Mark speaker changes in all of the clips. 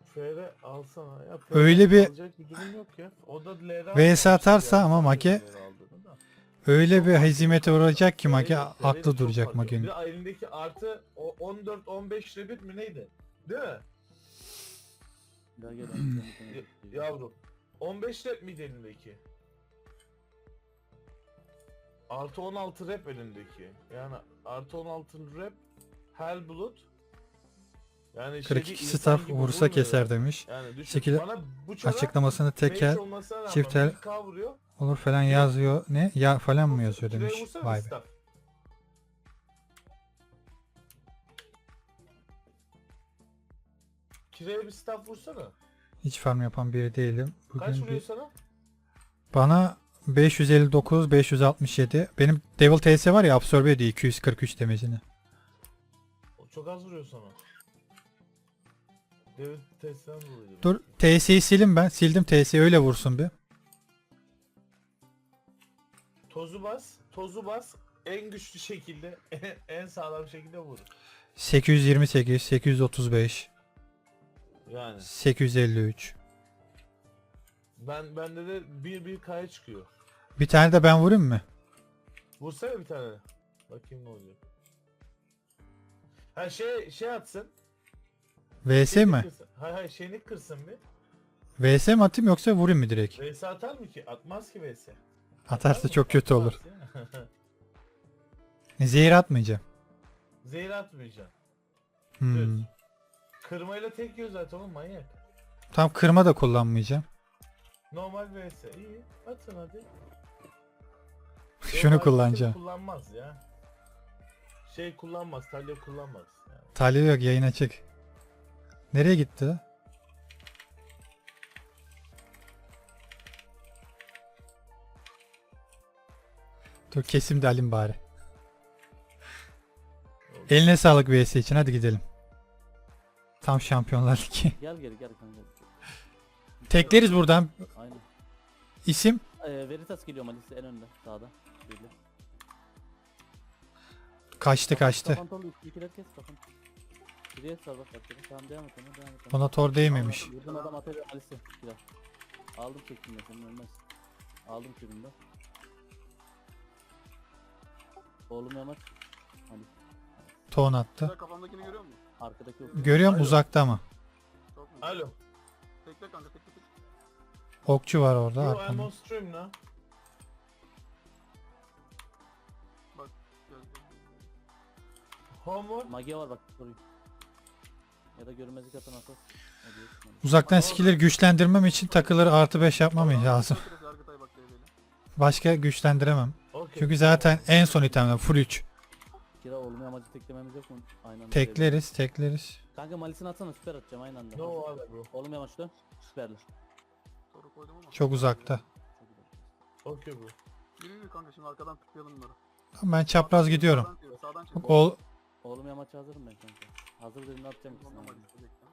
Speaker 1: FR alsana ya. FR
Speaker 2: Öyle bir
Speaker 1: alacak bir durum yok ya. O da LR
Speaker 2: VS atarsa
Speaker 1: yani.
Speaker 2: ama
Speaker 1: Sen de
Speaker 2: Mage
Speaker 1: LR aldığını da.
Speaker 2: öyle
Speaker 1: Çok
Speaker 2: bir
Speaker 1: fark
Speaker 2: hezimete
Speaker 1: ediyor.
Speaker 2: uğrayacak ki Mage
Speaker 1: FR
Speaker 2: aklı
Speaker 1: çok
Speaker 2: duracak
Speaker 1: fark ediyor. Bir
Speaker 2: Mage'nin.
Speaker 1: de elindeki artı o 14-15 rebit mi neydi? Değil mi?
Speaker 3: Gel gel.
Speaker 1: Yavrum. 15 rep miydi elindeki? Artı 16 rep elindeki. Yani artı 16 rep Hellblood. Yani
Speaker 2: 42
Speaker 1: insan
Speaker 2: staff
Speaker 1: gibi
Speaker 2: vursa
Speaker 1: vurmuyor
Speaker 2: keser
Speaker 1: yani.
Speaker 2: demiş.
Speaker 1: Yani düşün,
Speaker 2: Şekil
Speaker 1: bana bu çara
Speaker 2: açıklamasını tekel,
Speaker 1: mage olmasına rağmen
Speaker 2: çiftel
Speaker 1: 1K vuruyor.
Speaker 2: olur falan yazıyor. Ne? Ya falan mı yazıyor
Speaker 1: Kireye
Speaker 2: demiş.
Speaker 1: vursana
Speaker 2: Vay be.
Speaker 1: staff. Kireye bir staff vursana.
Speaker 2: Hiç farm yapan biri değilim.
Speaker 1: Kaç
Speaker 2: Bugün
Speaker 1: vuruyor
Speaker 2: bir...
Speaker 1: sana?
Speaker 2: Bana 559, 567. Benim Devil TS var ya, absorbe ediyor 243 demecini.
Speaker 1: O çok az vuruyor sana. David testten vuruyor.
Speaker 2: Dur TS'yi silin ben. Sildim TS'yi, öyle vursun bir.
Speaker 1: Tozu bas, tozu bas. En güçlü şekilde, en sağlam şekilde vur.
Speaker 2: 828, 835,
Speaker 1: Yani
Speaker 2: 853.
Speaker 1: bende de 1-1K'ya çıkıyor.
Speaker 2: Bir tane de ben vurayım mı?
Speaker 1: Vursana bir tane. Bakayım ne olacak. Ha şey atsın.
Speaker 2: VS mi?
Speaker 1: Kırsın. Hayır şeyini kırsın bir.
Speaker 2: VS mi atayım yoksa vurayım mı direkt?
Speaker 1: VS atar mı ki? Atmaz ki VS.
Speaker 2: Atarsa
Speaker 1: mı?
Speaker 2: çok kötü olur.
Speaker 1: Atmaz
Speaker 2: Zehir atmayacağım.
Speaker 1: ya. Zehir atmayacaksın.
Speaker 2: Hmm.
Speaker 1: Düz. Kırmayla tek yiyor zaten oğlum manyak.
Speaker 2: Tam kırma da kullanmayacağım.
Speaker 1: Normal VS. İyi. Atın hadi.
Speaker 2: Şunu
Speaker 1: Normal
Speaker 2: kullanacağım.
Speaker 1: kullanmaz ya. Şey kullanmaz. Talya kullanmaz. Yani.
Speaker 2: Talih yok, yayın açık. Nereye gitti? Dur kesim de alayım bari. Eline sağlık VS için, hadi gidelim. Tam Şampiyonlar Ligi.
Speaker 3: Gel geri gel kanka.
Speaker 2: Tekleriz buradan.
Speaker 3: Aynen.
Speaker 2: İsim?
Speaker 3: Veritas geliyor Malis'te en önde sağda. Böyle.
Speaker 2: Kaçtı.
Speaker 3: Kafan torlu 2 kes kafan. Geriye sar bak bak. Tamam devam et ona devam et.
Speaker 2: Ona tor değmemiş.
Speaker 3: Vurdum adam atıyor Malis'e. Biraz. Aldım çektim de senin ölmez. Aldım küründe. Oğlum yamaç. Hadi.
Speaker 2: Ton attı.
Speaker 4: Güzel, kafamdakini görüyor musun?
Speaker 3: Arkadaki yok.
Speaker 2: Görüyorum
Speaker 1: Alo.
Speaker 2: uzakta ama.
Speaker 4: Çok mu?
Speaker 1: Alo.
Speaker 4: Tekle kanka tekle.
Speaker 2: Okçu var orada.
Speaker 1: Yo I'm
Speaker 2: arkamda.
Speaker 1: on stream now.
Speaker 4: Bak gel.
Speaker 1: Homework.
Speaker 3: Mage var bak soruyu. Ya da görünmezlik atan atas.
Speaker 2: Uzaktan skill'leri güçlendirmem için takıları artı 5 yapmam lazım.
Speaker 4: Yargıtay bak devreyle.
Speaker 2: Başka güçlendiremem.
Speaker 1: Okay.
Speaker 2: Çünkü zaten en son itemler full 3.
Speaker 3: Kira oğlum yamacı teklememiz yok mu? Aynen.
Speaker 2: Tekleriz.
Speaker 3: Kanka Malis'ini atsana süper atacağım aynı anda.
Speaker 1: No abi bro.
Speaker 3: Oğlum yamaç dön. Süperli.
Speaker 4: Soru koydum ama.
Speaker 2: Çok uzakta.
Speaker 1: Okay bro.
Speaker 4: Yürü kanka şimdi arkadan tıklayalım bunları.
Speaker 2: Ben çapraz gidiyorum.
Speaker 4: Sağdan çevir.
Speaker 2: Ol
Speaker 3: Oğlum yamaç hazırım ben kanka. Hazır dediğinde atacağım ikisini.
Speaker 4: Tamam,
Speaker 3: ama.
Speaker 4: hadi, bekle.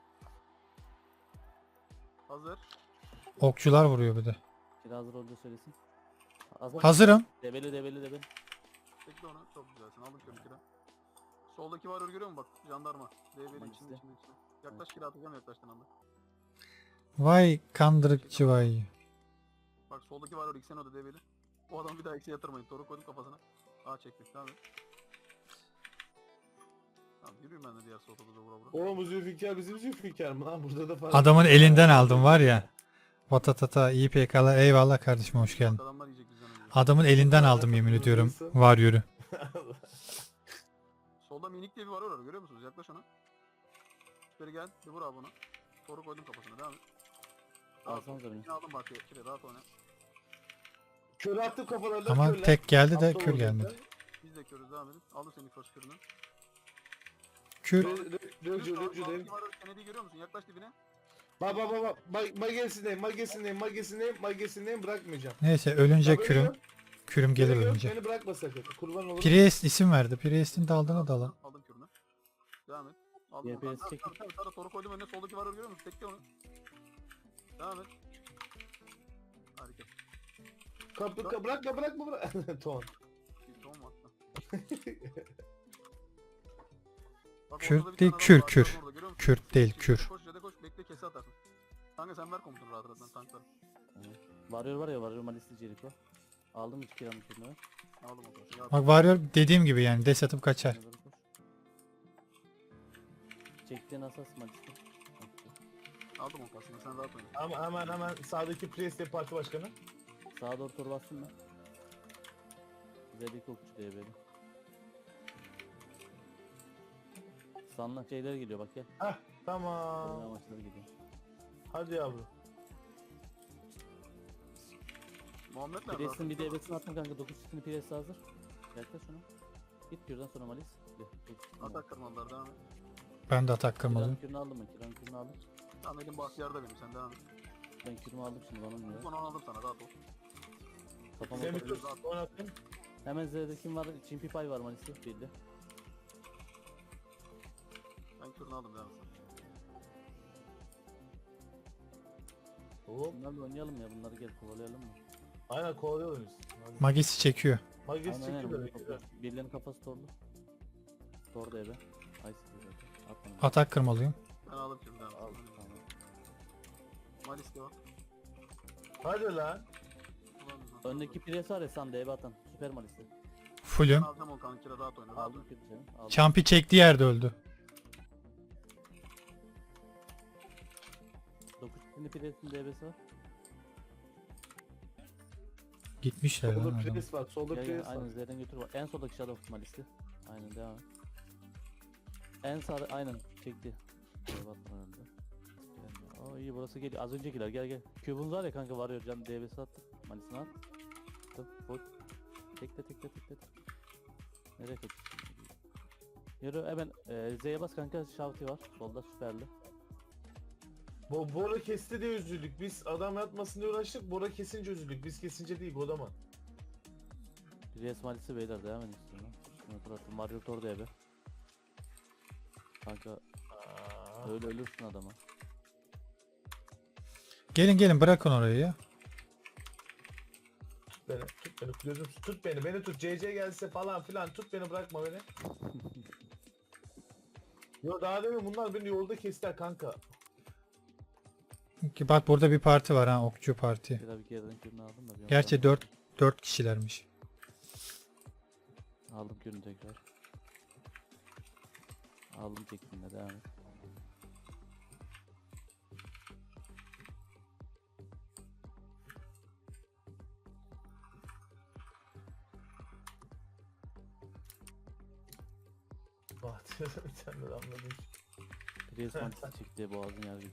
Speaker 4: Hazır.
Speaker 2: okçular vuruyor bir de.
Speaker 3: Kira hazır olduğu söylesin. Hazır.
Speaker 2: Hazırım.
Speaker 3: Debeli.
Speaker 4: Tekle onu. Çok güzelsin. Aldım şöyle kira. Soldaki varıyor görüyor musun bak? Jandarma. Devreyle
Speaker 3: Tamam,
Speaker 4: içinde. Yaklaş kira atacağım yaklaştığın anda.
Speaker 2: Vay kandırıkçı vay.
Speaker 4: Bak soldaki varıyor iksen o da devreyle. O adamı bir daha eksiye yatırmayın. Toru koydum kafasına. Aa çektik tamam. Tamam yürüyün ben de diğer solda da vura vura.
Speaker 1: Oğlum bu Zülfikar bizim Zülfikar mı lan? Burada da fark.
Speaker 2: Adamın elinden aldım var ya. Vatatata iyi PK'lar, eyvallah kardeşim, hoş geldin.
Speaker 4: Adamlar yiyecek bizden önce.
Speaker 2: Adamın elinden aldım yemin ediyorum. Var yürü.
Speaker 4: Solda minik diye bir var orada görüyor musunuz? Yaklaş ona. Süperi gel. Bir vur abi ona. Toru koydum kafasına devam et. Rahat ol.
Speaker 3: Alsanıza beni.
Speaker 4: Yine aldım bak kire rahat oyna.
Speaker 1: Kör attım kafalarına
Speaker 2: Ama
Speaker 1: körler.
Speaker 2: tek geldi de
Speaker 1: Aptal
Speaker 2: kür
Speaker 1: olacaklar.
Speaker 2: gelmedi.
Speaker 4: Biz de körüz devam edin. Aldım senin first kürünü.
Speaker 2: Kür
Speaker 1: Röcü değil.
Speaker 4: Kennedy'yi görüyor musun? Yaklaş dibine.
Speaker 1: Bak. Magesindeyim bırakmayacağım.
Speaker 2: neyse ölünce
Speaker 1: Ya böyle
Speaker 2: kürüm.
Speaker 1: gör,
Speaker 2: Kürüm gelir
Speaker 1: böyle gör,
Speaker 2: ölünce.
Speaker 1: Beni bırakma sakın. Kurban olurum.
Speaker 2: Priest isim verdi. Priest'in daldığına dalan.
Speaker 4: Aldım kürünü. Devam et. Aldım
Speaker 3: YPS
Speaker 4: onu.
Speaker 3: çek.
Speaker 4: Tabii toru koydum önüne soldaki var görüyor musun? Tekle onu. Devam et. Harika.
Speaker 1: Bırakma. Ton.
Speaker 4: Bir ton mu attın? Bak,
Speaker 2: Kür
Speaker 4: ortada bir
Speaker 2: değil,
Speaker 4: tane adam
Speaker 2: kür,
Speaker 4: var,
Speaker 2: kür.
Speaker 4: orada, görüyor musun?
Speaker 2: Kürt değil, kür.
Speaker 4: Koş ya da koş. Bekle kese atarsın. Kanka sen ver komutunu rahat rahat ben tanklarım.
Speaker 3: Varıyor ya varıyor Malisli Jericho. Aldım 3 kiranın kürünü.
Speaker 4: Aldım o kadar. Ya,
Speaker 2: Bak Warrior dediğim gibi yani des atıp kaçar.
Speaker 3: Doğru koş. Çektiğin asas Malisli.
Speaker 4: aldım o kasını sen rahat oyna.
Speaker 1: Ama hemen sağdaki Priest'e parti başkanı.
Speaker 3: Sağa doğru tur bastın mı? Zedik okçu diye böyle. Sanla şeyler geliyor bak gel.
Speaker 1: Heh
Speaker 3: Koruma
Speaker 1: tamam.
Speaker 3: amaçları geliyor.
Speaker 1: Hadi yavrum.
Speaker 4: Muhammed nerede?
Speaker 3: Pires'in bir devresini attım kanka 9 çiftini Pires'e hazır. Yaklaş şunu. Git kürden sonra Malis.
Speaker 4: Atak kırmalılar devam et.
Speaker 2: Ben de atak
Speaker 3: Kiranın
Speaker 2: kırmalıyım.
Speaker 3: kürünü aldım ben. Kiranın kürünü aldım.
Speaker 4: Tamam elim bahtiyarda benim sen devam et.
Speaker 3: Ben kürümü aldım şimdi bana olmuyor.
Speaker 4: Bunu aldım sana rahat ol.
Speaker 3: Kafama
Speaker 1: Semih
Speaker 3: oturdu.
Speaker 1: tut. Oynattım.
Speaker 3: Hemen Z'de kim var? Çimpi Pay var Malisli. Belli.
Speaker 4: Ben kürünü aldım devam et.
Speaker 1: Hop.
Speaker 3: Bunlarla oynayalım ya bunları gel kovalayalım mı?
Speaker 1: Aynen kovalıyorlar biz. Hadi.
Speaker 2: Magisi çekiyor.
Speaker 1: Magis
Speaker 3: Aynen,
Speaker 1: çıktı
Speaker 3: aynen.
Speaker 1: böyle. Güzel.
Speaker 3: Birilerinin kafası torlu. Tordu eve. Ay sıkıyor zaten. At bana.
Speaker 2: Atak kırmalıyım.
Speaker 4: Ben aldım kürünü devam et.
Speaker 3: Al tamam.
Speaker 4: Malis de var.
Speaker 1: Hadi lan.
Speaker 3: Öndeki pres var ya Sande eve atan. Süper Malisli.
Speaker 2: Fullüm.
Speaker 4: Aldım o kanka kira rahat oyna. Rahat
Speaker 3: Aldım
Speaker 4: oyna.
Speaker 3: kürü seni. Aldım.
Speaker 2: Champi çektiği yerde öldü.
Speaker 3: 9 çiftini presin DB'si var.
Speaker 2: Gitmişler lan
Speaker 1: Solda
Speaker 2: adam.
Speaker 1: Priest var. Solda
Speaker 3: Gel gel
Speaker 1: Priest var.
Speaker 3: aynen Z'den götür bak. En soldaki Shadow Malisli. Aynen devam et. En sağda aynen çekti. Batman önünde. Aa iyi burası geliyor. Az öncekiler gel gel. Cube'un var ya kanka varıyor can DB'si attık. Malisini at. Full. Tekle. Nereye kaçıyorsun? Yürü hemen Z'ye bas kanka Shouty var. Solda süperli.
Speaker 1: Bora kesti diye üzüldük. Biz adam yatmasın diye uğraştık. Bora kesince üzüldük. Biz kesince değil Godaman.
Speaker 3: Res Malis'i beyler devam edin istiyorum. Şunu bıraktım. Mario Tor'da ebe. Kanka
Speaker 1: Aa,
Speaker 3: öyle ölürsün adama.
Speaker 2: Gelin bırakın orayı ya.
Speaker 1: tut beni gözüm tut beni tut CC gelse falan filan tut beni bırakma beni. Yo daha demin bunlar beni yolda kestiler kanka.
Speaker 2: Ki bak burada bir parti var ha, okçu parti.
Speaker 3: Bir daha bir geriden kürünü aldım da. bir
Speaker 2: Gerçi
Speaker 3: ondan-
Speaker 2: 4 kişilermiş.
Speaker 3: Aldım kürünü tekrar. Aldım çektiğinde devam et.
Speaker 1: Bahtiyar bir tane de anladım.
Speaker 3: Pires Malis'i çekti boğazın yargıcı.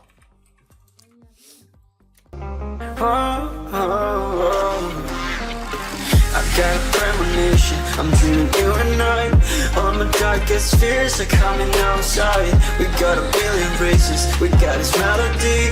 Speaker 5: I got premonition, I'm dreaming you and I. All my darkest fears are coming outside. We got a billion races, we got this melody.